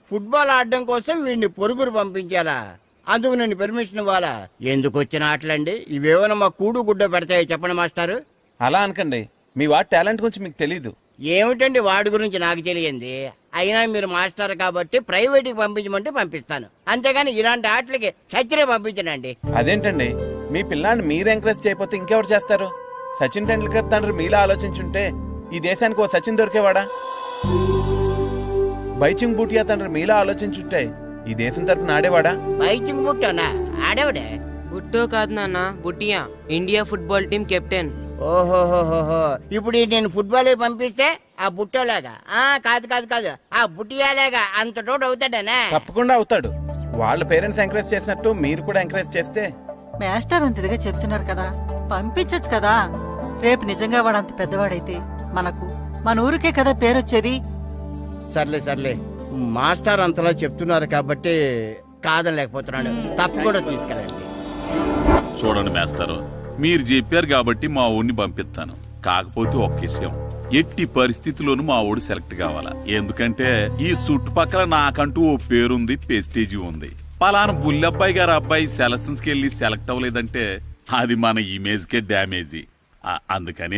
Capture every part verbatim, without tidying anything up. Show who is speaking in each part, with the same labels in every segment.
Speaker 1: Football ఆడడం కోసం వీడిని పొరుగురు పంపించాలా? అందుకు నేను పర్మిషన్ ఇవ్వాలా? ఎందుకు వచ్చిన ఆటలండి ఇవేమైనా మా కూడు గుడ్డ పెడతాయో చెప్పండి మాస్టారు.
Speaker 2: అలా అనకండి, మీ వాడి టాలెంట్ గురించి మీకు తెలీదు.
Speaker 1: ఏమిటండి వాడి గురించి నాకు తెలియంది? అయినా మీరు మాస్టర్ కాబట్టి ప్రైవేట్కి పంపించమంటే పంపిస్తాను, అంతేగాని ఇలాంటి ఆటలకి చచ్చిరే పంపించనండి.
Speaker 2: అదేంటండి, మీ పిల్లాన్ని మీరు ఎంకరేజ్ చేయకపోతే ఇంకెవరు చేస్తారు? సచిన్ టెండూల్కర్ తండ్రి మీలా ఆలోచించుంటే ఈ దేశానికి ఓ సచిన్ దొరికేవాడా? బైచింగ్ బూటియా తండ్రి మీలా ఆలోచించుంటే ఈ దేశం తరపున ఆడేవాడా?
Speaker 1: బైచింగ్ బుట్టోనా? ఆడేవాడే?
Speaker 3: బుట్టో కాదు నాన్న, బుట్టియా, ఇండియా ఫుట్బాల్ టీం కెప్టెన్.
Speaker 1: ఓహోహోహో, ఇప్పుడు నేను ఫుట్బాల్ పంపిస్తే ఆ బుట్టోలాగా? ఆ కాదు కాదు కాదు, ఆ బుట్టియాలేగా అంత తోడు అవుతాడనా?
Speaker 2: తప్పకుండా అవుతాడు. వాళ్ళ పేరెంట్స్ ఎంకరేజ్ చేసినట్టు మీరు కూడా ఎంకరేజ్ చేస్తే.
Speaker 4: మాస్టర్ అంత ఇదిగా చెప్తున్నారు కదా, పంపించచ్చు కదా. రేపు నిజంగా వాడు అంత పెద్దవాడైతే మనకు మన ఊరికే కదా పేరొచ్చేది.
Speaker 1: సర్లే సర్లే, మాస్టర్ అంతలా చెప్తున్నారు కాబట్టి కాదనలేకపోతున్నాడు. తప్పకుండా తీసుకెళ్ళండి.
Speaker 5: చూడండి మాస్టారు, మీరు చెప్పారు కాబట్టి మా ఊరిని పంపిస్తాను. కాకపోతే ఒక్క విషయం, ఎట్టి పరిస్థితుల్లోనూ మా ఊడు సెలెక్ట్ కావాలా. ఎందుకంటే ఈ చుట్టుపక్కల నాకంటూ ఓ పేరుంది, పెస్టేజీ ఉంది. పలానా బుల్లబ్బాయి గారు అబ్బాయి సెలక్షన్స్ కి వెళ్ళి సెలెక్ట్ అవ్వలేదంటే అది మన ఇమేజ్ కే డ్యామేజీ. అందుకని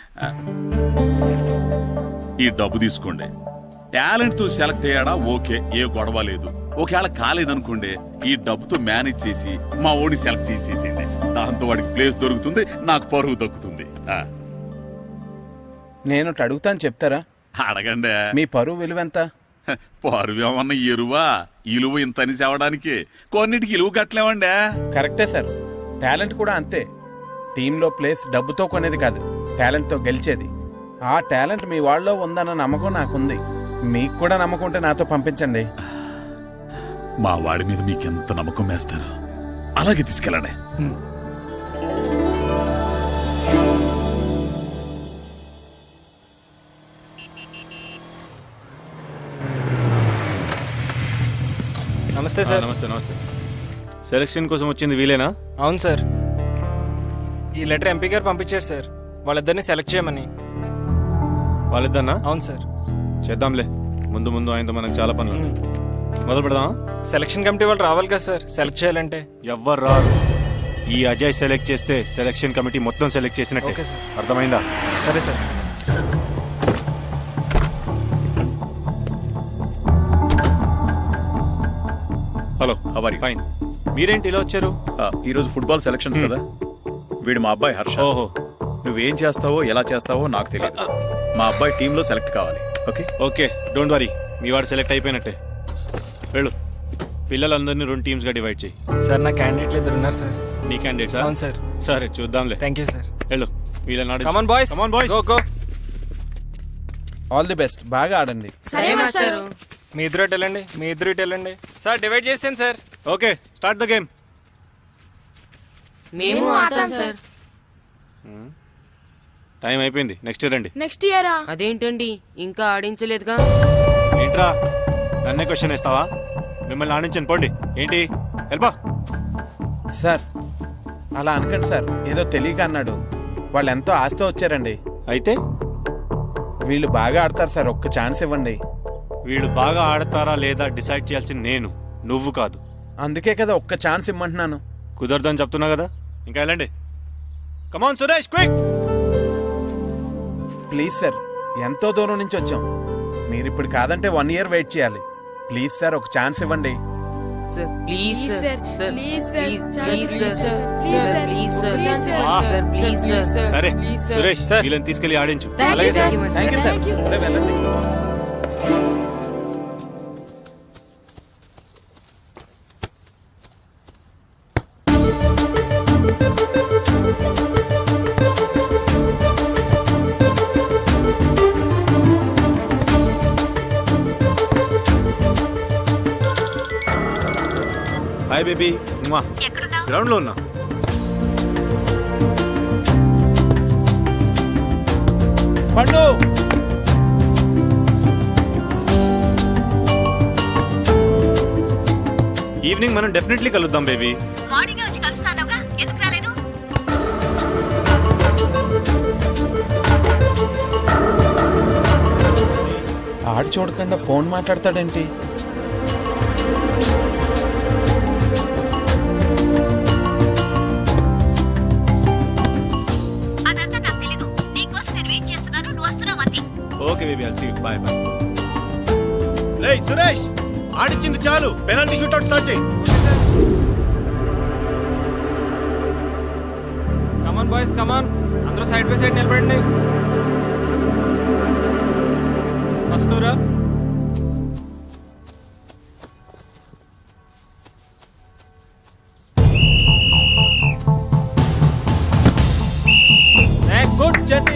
Speaker 5: ఈ డబ్బు తీసుకోండి. టాలెంట్ తో సెలెక్ట్ అయ్యాడా ఓకే, ఏ గొడవ లేదు. ఒకవేళ కాలేదనుకోండి, ఈ డబ్బుతో మేనేజ్ చేసి మా ఓడిని సెలెక్ట్ చేసేసేయండి. దాంతో వాడికి ప్లేస్ దొరుకుతుంది, నాకు పరువు దక్కుతుంది.
Speaker 2: నేను అడుగుతాను, చెప్తారా?
Speaker 5: అడగండి.
Speaker 2: మీ పరువు విలువ ఎంత?
Speaker 5: పరువు ఏమన్నా ఎరువా? ఇలువ ఇంతని చెప్పడానికి కొన్నిటికి ఇలువ కట్టలేమండి.
Speaker 2: కరెక్టే సార్, టాలెంట్ కూడా అంతే. టీంలో ప్లేస్ డబ్బుతో కొనేది కాదు, టాలెంట్తో గెలిచేది. ఆ టాలెంట్ మీ వాళ్ళలో ఉందన్న నమ్మకం నాకుంది. మీకు కూడా నమ్మకం ఉంటే నాతో పంపించండి.
Speaker 5: మా వాడి మీద మీకెంత నమ్మకం వేస్తారో అలాగే తీసుకెళ్ళండి.
Speaker 6: నమస్తే సార్.
Speaker 7: నమస్తే నమస్తే. సెలక్షన్ కోసం వచ్చింది వీలేనా?
Speaker 6: అవును సార్, ఈ లెటర్ ఎంపీ గారు పంపించారు సార్, వాళ్ళిద్దరిని సెలెక్ట్ చేయమని.
Speaker 7: వాళ్ళిద్దన్నా?
Speaker 6: అవును సార్.
Speaker 7: చేద్దాంలే, ముందు ముందు ఆయనతో మనకు చాలా పనులు ఉన్నాయి. మొదలు పెడదామా?
Speaker 6: సెలక్షన్ కమిటీ వాళ్ళు రావాలి కదా సార్ సెలెక్ట్ చేయాలంటే.
Speaker 7: ఎవ్వరు రారు. ఈ అజయ్ సెలెక్ట్ చేస్తే సెలక్షన్ కమిటీ మొత్తం సెలెక్ట్ చేసినట్టే.
Speaker 6: Okay sir.
Speaker 7: అర్థమైందా?
Speaker 6: సరే సార్.
Speaker 7: హలో, హవారి? ఫైన్. మీరేంటి ఇలా వచ్చారు?
Speaker 8: ఈరోజు ఫుట్బాల్ సెలక్షన్స్ కదా, వీడు మా అబ్బాయి హర్ష.
Speaker 7: ఓహో.
Speaker 8: నువ్వేం చేస్తావో ఎలా చేస్తావో నాకు తెలియదు. మా అబ్బాయి టీంలో సెలెక్ట్ కావాలి. Okay
Speaker 7: okay, don't worry. మీ వాడు సెలెక్ట్ అయిపోయినట్టే. వెళ్ళు. పిల్లలందరినీ రెండు టీమ్స్ గా డివైడ్ చేయి.
Speaker 6: సార్ నా క్యాండిడేట్లు ఇద్దరు ఉన్నారు సార్.
Speaker 7: నీ క్యాండిడేట్స్?
Speaker 6: అవును సార్.
Speaker 7: సరే చూద్దాంలే.
Speaker 6: Thank you sir.
Speaker 7: వెళ్ళు. వీళ్ళని
Speaker 6: come on boys,
Speaker 7: come on boys,
Speaker 6: go go.
Speaker 2: All the best, బాగా ఆడండి.
Speaker 3: సరే మాస్టారు.
Speaker 6: మీ ఇద్దరు ఇటు వెళ్ళండి, మీ ఇద్దరు ఇటు వెళ్ళండి. సార్ డివైడ్ చేసాను sir.
Speaker 7: Okay, start the game.
Speaker 3: మేము ఆడతాం సార్.
Speaker 7: టైం అయిపోయింది, నెక్స్ట్ రండి.
Speaker 9: నెక్స్ట్ ఇయరా?
Speaker 3: అదేంటండి ఇంకా ఆడించలేదుగా?
Speaker 7: ఏంట్రా నన్నే క్వశ్చన్ వేస్తావా? మిమ్మల్ని ఆడించండి, పోండి. ఏంటి హెల్పా?
Speaker 2: సార్ అలా అనకండి సార్, ఏదో తెలియక అన్నాడు. వాళ్ళు ఎంతో ఆస్తి వచ్చారండి.
Speaker 7: అయితే
Speaker 2: వీళ్ళు బాగా ఆడతారు సార్, ఒక్క ఛాన్స్ ఇవ్వండి.
Speaker 7: వీళ్ళు బాగా ఆడతారా లేదా డిసైడ్ చేయాల్సింది నేను, నువ్వు కాదు.
Speaker 2: అందుకే కదా ఒక్క ఛాన్స్ ఇమ్మంటున్నాను.
Speaker 7: కుదరదని చెప్తున్నా కదా, ఇంకా వెళ్ళండి. Come on Suresh, quick.
Speaker 2: Please sir, ఎంతో దూరం నుంచి వచ్చాం. మీరు ఇప్పుడు కాదంటే వన్ ఇయర్ వెయిట్ చేయాలి. ప్లీజ్ సార్, ఒక ఛాన్స్ ఇవ్వండి.
Speaker 3: Sir please sir, sir
Speaker 9: please
Speaker 3: please
Speaker 9: sir,
Speaker 3: please
Speaker 9: please
Speaker 3: sir,
Speaker 9: sir,
Speaker 3: sir please sir,
Speaker 9: please
Speaker 3: sir please sir.
Speaker 7: సరే
Speaker 3: ప్లీజ్ సార్.
Speaker 7: సురేష్, వీళ్ళని తీసుకెళ్లి ఆడించు.
Speaker 3: Thank you sir.
Speaker 2: Thank you sir. ఇప్పుడే వెళ్ళండి.
Speaker 7: Hi baby. Ground లో ఉన్నా.
Speaker 2: పండు,
Speaker 7: ఈవినింగ్ మనం డెఫినెట్లీ కలుద్దాం బేబీ.
Speaker 2: ఆడు చూడకుండా ఫోన్ మాట్లాడతాడేంటి?
Speaker 7: Okay baby I'll see you bye bye. రేయ్ సురేష్, ఆడిచ్చింది చాలు, పెనాల్టీ షూట్అవుట్ స్టార్ట్ చేయి.
Speaker 6: కమాన్ బాయ్స్ కమాన్, అందరూ సైడ్ బై సైడ్ నిలబడండి. ఫస్ట్ నువ్వురా. Next good journey.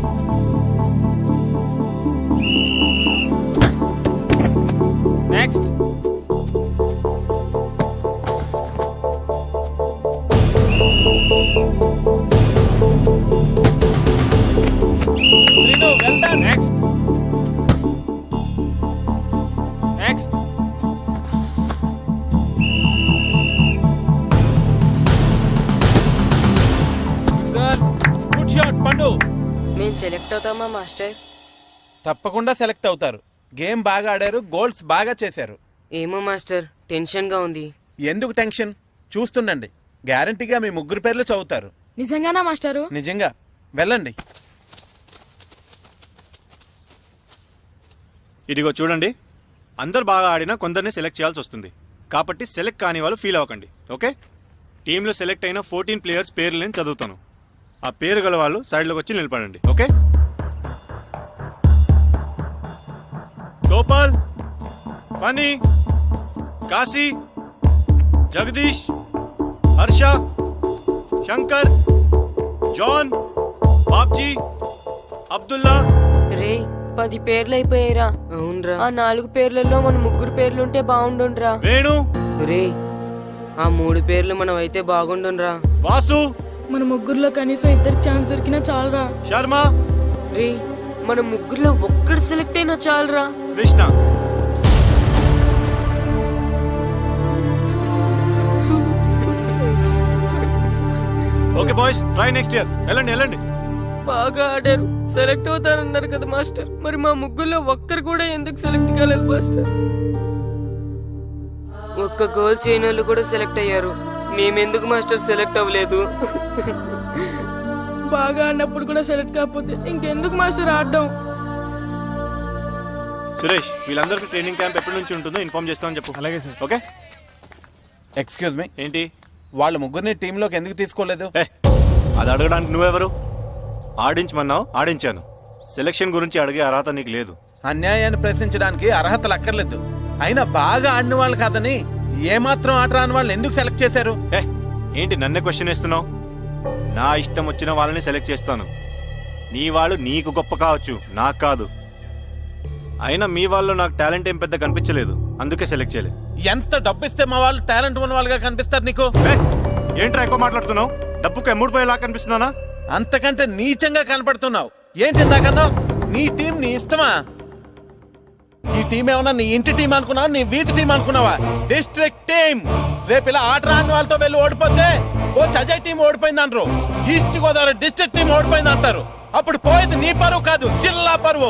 Speaker 6: Next Srinu, well done. Next next
Speaker 2: good shot Pandu.
Speaker 3: మేము సెలెక్ట్ అవుతామా మాస్టర్?
Speaker 2: తప్పకుండా సెలెక్ట్ అవుతారు. గేమ్ బాగా ఆడారు, గోల్స్ బాగా చేశారు.
Speaker 3: ఏమో మాస్టర్, టెన్షన్గా ఉంది.
Speaker 2: ఎందుకు టెన్షన్? చూస్తుండండి, గ్యారంటీగా మీ ముగ్గురు పేర్లు చదువుతారు.
Speaker 9: నిజంగానా మాస్టారు?
Speaker 2: నిజంగా. వెళ్ళండి.
Speaker 7: ఇదిగో చూడండి, అందరు బాగా ఆడినా కొందరిని సెలెక్ట్ చేయాల్సి వస్తుంది. కాబట్టి సెలెక్ట్ కాని వాళ్ళు ఫీల్ అవ్వకండి, ఓకే? టీంలో సెలెక్ట్ అయిన ఫోర్టీన్ ప్లేయర్స్ పేర్లు నేను చదువుతాను. ఆ పేరు గల వాళ్ళు సైడ్లోకి వచ్చి నిలబడండి, ఓకే? గోపాల్, ఫనీ, కాశీ, జగదీష్, హర్ష, శంకర్, జాన్, బాబ్జీ, అబ్దుల్లా.
Speaker 3: రే, పది పేర్లు అయిపోయాయిరా. అవునరా, ఆ నాలుగు పేర్లలో మన ముగ్గురు పేర్లుంటే బాగుండుండ్రా.
Speaker 7: వేణు,
Speaker 3: రే, ఆ మూడు పేర్లు మనం అయితే బాగుండుండ్రా.
Speaker 7: వాసు,
Speaker 9: మన ముగ్గురులో కనీసం ఇద్దరికి ఛాన్స్ దొరికినా చాలరా.
Speaker 7: శర్మ,
Speaker 3: రే, మన ముగ్గురులో ఒక్కడు సెలెక్ట్ అయినా చాలరా.
Speaker 7: Krishna. Okay boys, try next year. వెళ్ళండి వెళ్ళండి.
Speaker 3: బాగా ఆడారు, సెలెక్ట్ అవుతారన్నారు కదా మాస్టర్. మరి మా ముగ్గురులో ఒక్కరు కూడా ఎందుకు సెలెక్ట్ కాలేదు మాస్టర్? ఒక్క గోల్ చేయని వాళ్ళు కూడా సెలెక్ట్ అయ్యారు, మేమెందుకు మాస్టర్ సెలెక్ట్ అవ్వలేదు?
Speaker 9: బాగా ఆడినప్పుడు కూడా సెలెక్ట్ కాకపోతే ఇంకెందుకు మాస్టర్ ఆడడం?
Speaker 7: సురేష్, వీళ్ళందరికీ ట్రైనింగ్ క్యాంప్ ఎప్పటి నుంచి ఉంటుందో ఇన్ఫార్మ్ చేస్తామని చెప్పు.
Speaker 6: అలాగే సార్.
Speaker 7: ఓకే.
Speaker 2: ఎక్స్క్యూజ్ మీ,
Speaker 7: ఏంటి?
Speaker 2: వాళ్ళ ముగ్గురిని టీంలోకి ఎందుకు తీసుకోలేదు?
Speaker 7: ఏ, అది అడగడానికి నువ్వెవరు? ఆడించమన్నావు, ఆడించాను. సెలక్షన్ గురించి అడిగే అర్హత నీకు లేదు.
Speaker 2: అన్యాయాన్ని ప్రశ్నించడానికి అర్హతలు అక్కర్లేదు. అయినా బాగా ఆడిన వాళ్ళు కాదని ఏమాత్రం ఆట రాని వాళ్ళని ఎందుకు సెలెక్ట్ చేశారు?
Speaker 7: ఏ, ఏంటి నన్నే క్వశ్చన్ వేస్తున్నావు? నా ఇష్టం వచ్చిన వాళ్ళని సెలెక్ట్ చేస్తాను. నీ వాళ్ళు నీకు గొప్ప కావచ్చు, నాకు కాదు. అయినా మీ వాళ్ళు నాకు టాలెంట్ ఏం పెద్ద కనిపించలేదు, అందుకే సెలెక్ట్ చేయలేదు.
Speaker 2: ఎంత డబ్బు ఇస్తే మా వాళ్ళు టాలెంట్ ఉన్న వాళ్ళుగా కనిపిస్తారు నీకు?
Speaker 7: ఏ, ఏంట్రా ఎక్కువ మాట్లాడుతున్నావు? డబ్బుకు ఎమ్ముడిపోయేలా కనిపిస్తున్నానా?
Speaker 2: అంతకంటే నీచంగా కనపడుతున్నావు. ఏం చిందాకన్నావు? నీ టీం నీ ఇష్టమా? ఈ టీం ఏమన్నా నీ ఇంటి టీం అనుకున్నావా, నీ వీధి టీం అనుకున్నావా? District team. రేపు ఇలా ఆట రాని వాళ్ళతో వెళ్ళి ఓడిపోతే కోచ్ అజయ్ టీం ఓడిపోయింది అంటారు, ఈస్ట్ గోదావరి డిస్ట్రిక్ట్ టీం ఓడిపోయింది అంటారు. అప్పుడు పోయేది నీ పరువు కాదు, జిల్లా పరువు.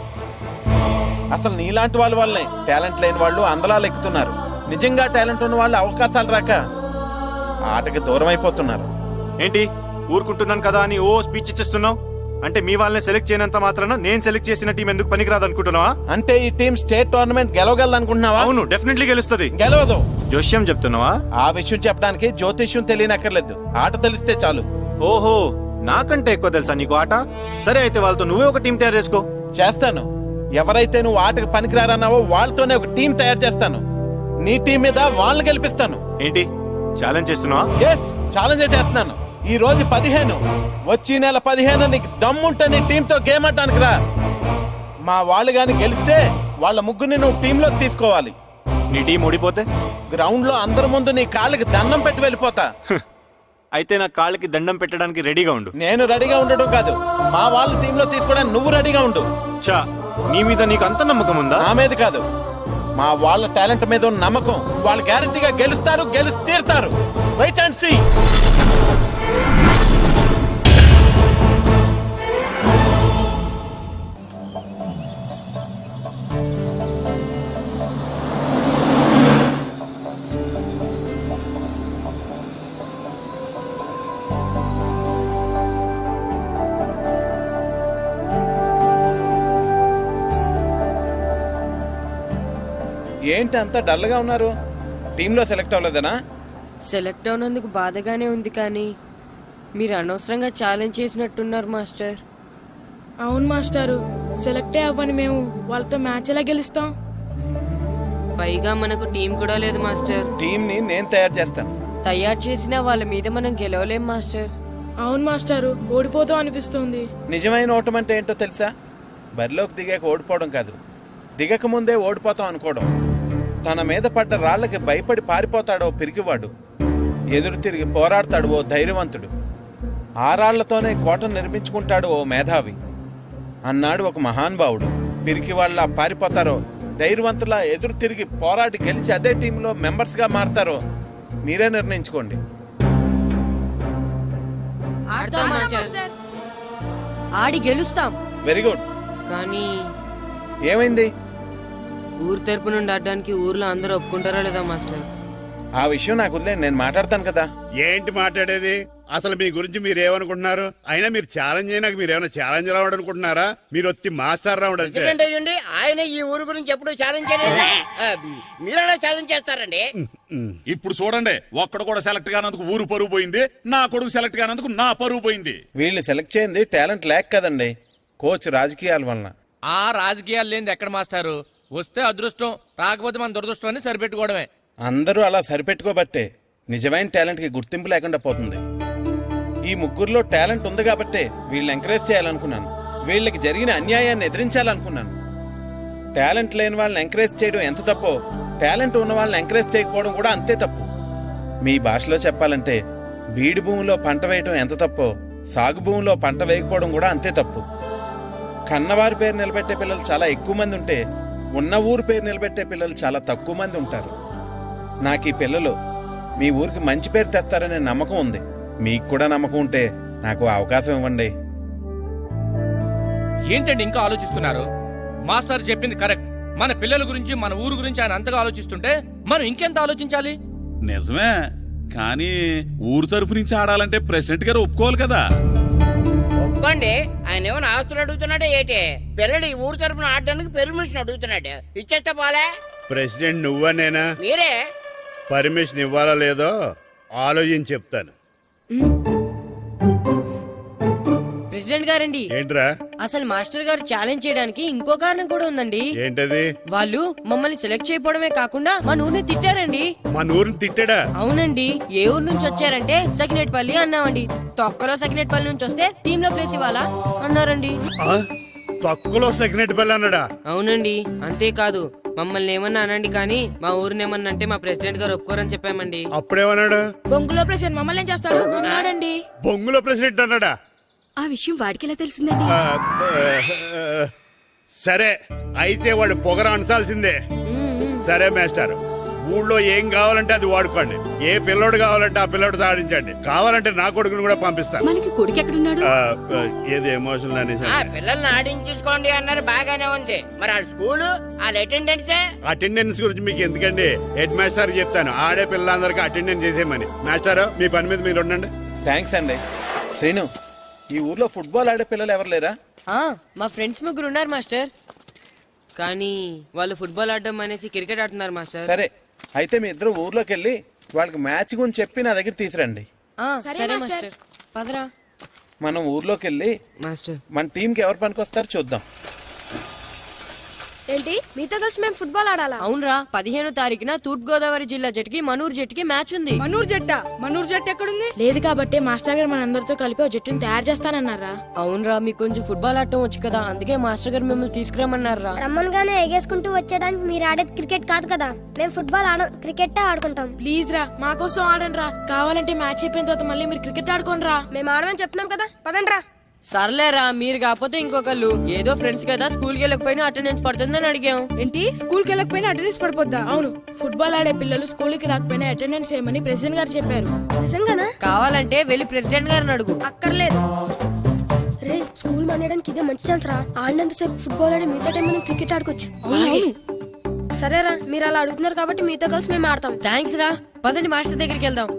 Speaker 2: అసలు నీలాంటి వాళ్ళ వల్లే టాలెంట్ లేని వాళ్ళు అందలాలు ఎక్కుతున్నారు. నిజంగా టాలెంట్ ఉన్న వాళ్ళు అవకాశాలు రాక ఆటకి దూరం అయిపోతున్నారు.
Speaker 7: ఏంటి ఊరుకుంటున్నాను కదా అని ఓ స్పీచ్ ఇచ్చేస్తున్నావు? అంటే మీ వాళ్ళని సెలెక్ట్ చేయనంత మాత్రాన నేను సెలెక్ట్ చేసిన టీం ఎందుకు పనికిరాదు అనుకుంటున్నావా?
Speaker 2: అంటే ఈ టీం స్టేట్ టోర్నమెంట్ గెలవగలదు అనుకుంటున్నావా?
Speaker 7: అవును, డెఫినెట్లీ గెలుస్తుంది.
Speaker 2: గెలవదు.
Speaker 7: జోష్యం చెప్తున్నావా?
Speaker 2: ఆ విషయం చెప్పడానికి జ్యోతిష్యం తెలియనక్కర్లేదు, ఆట తెలిస్తే చాలు.
Speaker 7: ఓహో, నాకంటే ఎక్కువ తెలుసా నీకు ఆట? సరే అయితే వాళ్ళతో నువ్వే ఒక టీం తయారు చేసుకో.
Speaker 2: చేస్తాను. ఎవరైతే నువ్వు ఆటకు పనికిరారన్నావో వాళ్ళతోనే ఒక టీం తయారు చేస్తాను. నీ టీం మీద వాళ్ళని గెలిపిస్తాను.
Speaker 7: ఏంటి ఛాలెంజ్ చేస్తున్నావా?
Speaker 2: ఎస్, ఛాలెంజ్ చేస్తున్నాను. ఈ రోజు పదిహేను, వచ్చి నెల పదిహేను నీకు దమ్ముంటే నీ టీంతో గేమ్ ఆడటానికి రా. మా వాళ్ళు గాని గెలిస్తే వాళ్ళ ముగ్గురిని నువ్వు టీంలోకి తీసుకోవాలి.
Speaker 7: నీ టీం ఓడిపోతే
Speaker 2: గ్రౌండ్ లో అందరి ముందు నీ కాళ్ళకి దండం పెట్టి వెళ్ళిపోతా.
Speaker 7: అయితే నా కాళ్ళకి దండం పెట్టడానికి రెడీగా ఉండు.
Speaker 2: నేను రెడీగా ఉండడం కాదు, మా వాళ్ళ టీంలో తీసుకోవడానికి నువ్వు రెడీగా ఉండు.
Speaker 7: చా, నీ మీద నీకు అంత నమ్మకం ఉందా?
Speaker 2: నా మీద కాదు, మా వాళ్ళ టాలెంట్ మీద ఉన్న నమ్మకం. వాళ్ళు గ్యారంటీగా గెలుస్తారు, గెలిచి తీరుతారు. Right and see. ఏంటి అంత డల్గా ఉన్నారు? టీంలో సెలెక్ట్ అవ్వలేదనా?
Speaker 3: సెలెక్ట్ అవునందుకు బాధగానే ఉంది కానీ మీరు అనవసరంగా ఛాలెంజ్ చేసినట్టున్నారు మాస్టర్.
Speaker 9: అవును మాస్టారు, సెలెక్టే అవ్వని మేము వాళ్ళతో మ్యాచ్ ఎలా గెలుస్తాం?
Speaker 3: పైగా మనకు టీం కూడా లేదు మాస్టర్.
Speaker 2: టీంని నేను తయారు చేస్తాను.
Speaker 3: తయారు చేసిన వాళ్ళ మీద మనం గెలవలేం మాస్టర్.
Speaker 9: అవును మాస్టారు, ఓడిపోతాం అనిపిస్తుంది.
Speaker 2: నిజమైన ఓటం అంటే ఏంటో తెలుసా? బరిలోకి దిగాక ఓడిపోవడం కాదు, దిగక ముందే ఓడిపోతాం అనుకోవడం. తన మీద పడ్డ రాళ్లకి భయపడి పారిపోతాడో పిరికివాడు, ఎదురు తిరిగి పోరాడతాడు ఓ ధైర్యవంతుడు, ఆ రాళ్లతోనే కోటను నిర్మించుకుంటాడు ఓ మేధావి అన్నాడు ఒక మహానుభావుడు. పిరికి వాళ్ళ పారిపోతారో ధైర్యవంతులా ఎదురు తిరిగి పోరాడి గెలిచి అదే టీంలో మెంబర్స్గా మారతారో మీరే నిర్ణయించుకోండి.
Speaker 3: ఆడి గెలుస్తాం.
Speaker 2: Very good.
Speaker 3: కానీ
Speaker 2: ఏమైంది?
Speaker 3: ఊరు తరపు నుండి ఆడడానికి ఊర్లో అందరూ ఒప్పుకుంటారా లేదా మాస్టర్?
Speaker 2: ఆ విషయం నాకు వదిలేండి, నేను మాట్లాడతాను కదా.
Speaker 10: ఏంటి మాట్లాడేది? అసలు మీ గురించి మీరు ఏమనుకుంటున్నారు? అయినా మీరు ఛాలెంజ్ అయినాక మీరు ఏమైనా ఛాలెంజ్ రావడం అనుకుంటున్నారా? మీరు వచ్చి మాస్టర్ రావడం అంతే.
Speaker 1: ప్రెసిడెంట్ అయ్యండి, ఆయన ఈ ఊరు గురించి ఎప్పుడు ఛాలెంజ్ చేయలేదు. ఆ, మీరెలా ఛాలెంజ్ చేస్తారండి?
Speaker 5: ఇప్పుడు చూడండి, ఒక్కడు కూడా సెలెక్ట్ కానందుకు ఊరు పరువు పోయింది, నా కొడుకు సెలెక్ట్ కానందుకు నా పరువు పోయింది.
Speaker 2: వీళ్ళు సెలెక్ట్ చేయింది టాలెంట్ లేక కదండి, కోచ్ రాజకీయాల వలన.
Speaker 6: ఆ రాజకీయాలు లేని ఎక్కడ మాస్టారు? వస్తే అదృష్టం, రాకపోతే మన దురదృష్టం అని సరిపెట్టుకోవడమే.
Speaker 2: అందరూ అలా సరిపెట్టుకోబట్టే నిజమైన టాలెంట్ కి గుర్తింపు లేకుండా పోతుంది. ఈ ముగ్గురులో టాలెంట్ ఉంది కాబట్టే వీళ్ళని ఎంకరేజ్ చేయాలనుకున్నాను, వీళ్ళకి జరిగిన అన్యాయాన్ని ఎదిరించాలనుకున్నాను. టాలెంట్ లేని వాళ్ళని ఎంకరేజ్ చేయడం ఎంత తప్పో, టాలెంట్ ఉన్న వాళ్ళని ఎంకరేజ్ చేయకపోవడం కూడా అంతే తప్పు. మీ భాషలో చెప్పాలంటే బీడు భూమిలో పంట వేయడం ఎంత తప్పో, సాగు భూమిలో పంట వేయకపోవడం కూడా అంతే తప్పు. కన్నవారి పేరు నిలబెట్టే పిల్లలు చాలా ఎక్కువ మంది ఉంటే, ఉన్న ఊరు పేరు నిలబెట్టే పిల్లలు చాలా తక్కువ మంది ఉంటారు. నాకు ఈ పిల్లలు మీ ఊరికి మంచి పేరు తెస్తారనే నమ్మకం ఉంది. మీకు కూడా నమ్మకం ఉంటే నాకు అవకాశం ఇవ్వండి.
Speaker 6: ఏంటండి ఇంకా ఆలోచిస్తున్నారు? మాస్టర్ చెప్పింది కరెక్ట్. మన పిల్లల గురించి, మన ఊరు గురించి ఆయన అంతగా ఆలోచిస్తుంటే మనం ఇంకెంత ఆలోచించాలి?
Speaker 5: నిజమే, కానీ ఊరు తరపు నుంచి ఆడాలంటే ప్రెసిడెంట్ గారు ఒప్పుకోవాలి కదా.
Speaker 1: ఒప్పుకోండి, ఆయన ఏమైనా ఆస్తులు అడుగుతున్నాడే ఏటే? పిల్లడు ఈ ఊరు తరపున ఆడడానికి పెర్మిషన్ అడుగుతున్నాడు, ఇచ్చేస్తే పోలే.
Speaker 10: ప్రెసిడెంట్ నువ్వా నేనా?
Speaker 1: మీరే.
Speaker 10: పర్మిషన్ ఇవ్వాలా లేదో ఆలోచించి చెప్తాను.
Speaker 3: ప్రెసిడెంట్ గారండి,
Speaker 10: ఏంట్రా?
Speaker 3: అసలు మాస్టర్ గారు ఛాలెంజ్ చేయడానికి ఇంకో కారణం కూడా ఉందండి.
Speaker 10: ఏంటది?
Speaker 3: వాళ్ళు మమ్మల్ని సెలెక్ట్ చేయకపోవడమే కాకుండా మా ఊరిని తిట్టారండి.
Speaker 10: మా ఊరిని తిట్టాడా?
Speaker 3: అవునండి. ఏ ఊరు నుంచి వచ్చారంటే సకినేట్పల్లి అన్నామండి. తొక్కలో సకినేట్పల్లి నుంచి వస్తే టీమ్ లో ప్లేస్ ఇవ్వాలా అన్నారండి.
Speaker 10: ఆ? తక్కువలో సెకండ్ బెల్ అన్నాడా?
Speaker 3: అవునండి. అంతేకాదు, మమ్మల్ని ఏమన్నా అనండి కానీ మా ఊరిని ఏమన్నా అంటే మా ప్రెసిడెంట్ గారు ఒప్పుకోరని చెప్పామండి.
Speaker 10: అప్పుడేమన్నాడు?
Speaker 9: బొంగులో ప్రెసిడెంట్ మమ్మల్ని ఏం చేస్తాడు అన్నాడండి.
Speaker 10: బొంగులో ప్రెసిడెంట్ అన్నాడా?
Speaker 9: ఆ విషయం వాడికి ఎలా తెలిసిందండి?
Speaker 10: ఆ, ఆ, సరే అయితే వాడు పొగర అంచాల్సిందే. సరే మేస్టర్, ఊళ్ళో ఏం కావాలంటే అది వాడుకోండి. ఏ పిల్లోడు కావాలంటే ఆ పిల్లోడు సాధించండి. కావాలంటే నా కొడుకుని కూడా పంపిస్తాను.
Speaker 9: మనకి కొడుకు ఎక్కడున్నాడు?
Speaker 10: ఆ, ఆ, ఏది ఎమోషనల్ అనేసి
Speaker 1: ఆ పిల్లల్ని ఆడించేసుకోండి అన్నారు, బాగానే ఉంది. మరి ఆ స్కూలు, వాళ్ళ అటెండెన్సే.
Speaker 10: అటెండెన్స్ గురించి మీకు ఎందుకండి, హెడ్ మాస్టర్ చెప్తాను. ఆడే పిల్లలందరికీ అటెండెన్స్ చేసేయమని. మాస్టర్, మీ పని మీద మీరు ఉండండి.
Speaker 2: థ్యాంక్స్ అండి. శ్రీను, ఈ ఊర్లో ఫుట్బాల్ ఆడే పిల్లలు ఎవరు లేరా?
Speaker 3: ఆ, మా ఫ్రెండ్స్ ముగ్గురు ఉన్నారు మాస్టర్, కానీ వాళ్ళు ఫుట్బాల్ ఆడడం అనేసి క్రికెట్ ఆడుతున్నారు మాస్టర్.
Speaker 2: సరే, అయితే మీ ఇద్దరు ఊర్లోకి వెళ్ళి వాళ్ళకి మ్యాచ్ గురించి చెప్పి నా దగ్గర తీసురండి.
Speaker 3: ఆ, సరే మాస్టర్, పదరా.
Speaker 2: మనం ఊర్లోకి వెళ్ళి
Speaker 3: మాస్టర్
Speaker 2: మన టీంకి ఎవరు పనికొస్తారో చూద్దాం.
Speaker 9: ఏంటి, మీతో కలిసి మేము ఫుట్బాల్ ఆడాలా?
Speaker 3: అవునరా, పదిహేనో తారీఖున తూర్పు గోదావరి జిల్లా జట్టుకి మనూరు జట్టుకి మ్యాచ్ ఉంది.
Speaker 9: మనూరు జట్ట? మనూరు జట్టు ఎక్కడుంది? లేదు కాబట్టి మాస్టర్ గారు మనందరితో కలిపి ఒక జట్టుని తయారు చేస్తానన్నారా?
Speaker 3: అవునరా, మీకు కొంచెం ఫుట్బాల్ ఆడటం వచ్చు కదా, అందుకే మాస్టర్ గారు మిమ్మల్ని తీసుకురామన్నారా.
Speaker 11: రమ్మన్గానే ఎగేసుకుంటూ వచ్చేయడానికి మీరు ఆడేది క్రికెట్ కాదు కదా. మేము ఫుట్బాల్ ఆడం, క్రికెట్ ఆడుకుంటాం.
Speaker 9: ప్లీజ్ రా, మా కోసం ఆడండి రా. కావాలంటే మ్యాచ్ అయిపోయిన తర్వాత మళ్ళీ మీరు క్రికెట్ ఆడుకోండి రా.
Speaker 11: మేము ఆడమని చెప్తున్నాం కదా, పదండి రా.
Speaker 3: సర్లేరా, మీరు కాకపోతే ఇంకొకళ్ళు. ఏదో ఫ్రెండ్స్ కదా, స్కూల్ కి వెళ్ళకపోయినా అటెండెన్స్ పడుతుందని అడిగాం.
Speaker 9: ఏంటి, స్కూల్ కి వెళ్ళకపోయినా అటెండెన్స్ పడిపోద్దా? అవును, ఫుట్బాల్ ఆడే పిల్లలు స్కూల్ కి రాకపోయినా అటెండెన్స్ ఏమని ప్రెసిడెంట్ గారు చెప్పారు.
Speaker 11: నిజంగానా?
Speaker 3: కావాలంటే వెళ్ళి ప్రెసిడెంట్ గారిని అడుగు.
Speaker 11: అక్కర్లేదు రే, స్కూల్ మానేయడానికి ఇదే మంచి ఛాన్స్ రా. ఆడినంతసేపు ఫుట్బాల్ ఆడి మిగతా టైం మనం క్రికెట్ ఆడుకోవచ్చు. సరేరా, మీరు అలా అడుగుతున్నారు కాబట్టి మీతో కలిసి మేము ఆడతాం.
Speaker 3: థ్యాంక్స్ రా, పదండి మాస్టర్ దగ్గరికి వెళ్దాం.